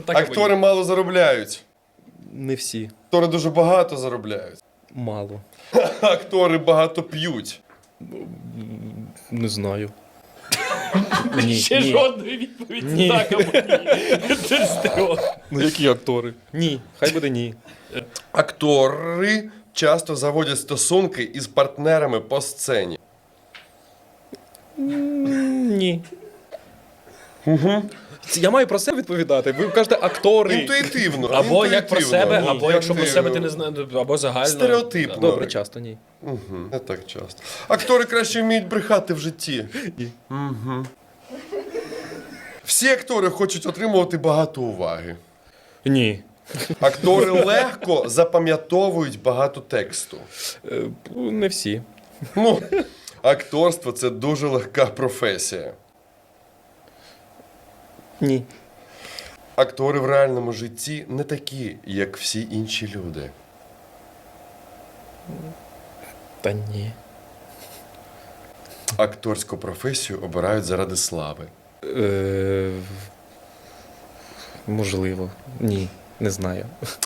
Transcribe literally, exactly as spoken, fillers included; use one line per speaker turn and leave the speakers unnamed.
Так
Актори мало заробляють.
Не всі.
Актори дуже багато заробляють.
Мало.
Актори багато п'ють.
Не знаю. Ні,
Ще
ні.
жодної відповіді
Ні.
так або ні. Це з трьох.
Ну які актори? Ні. Хай буде ні.
Актори часто заводять стосунки із партнерами по сцені.
Ні. Угу. Я маю про себе відповідати. Ви кажете актори.
Інтуїтивно.
Або як про
інтуїтивно.
себе,
Ні,
або якщо про себе ти не
інтуїтивно.
знаєш, або загально.
Стереотипно.
Добре, часто ні.
Угу. Не так часто. Актори краще вміють брехати в житті.
Ні.
Угу. Всі актори хочуть отримувати багато уваги.
Ні.
Актори легко запам'ятовують багато тексту.
Е, Не всі.
Ну, акторство – це дуже легка професія.
Ні.
Актори в реальному житті не такі, як всі інші люди.
Та ні.
Акторську професію обирають заради слави.
Е, Можливо. Ні. Не знаю.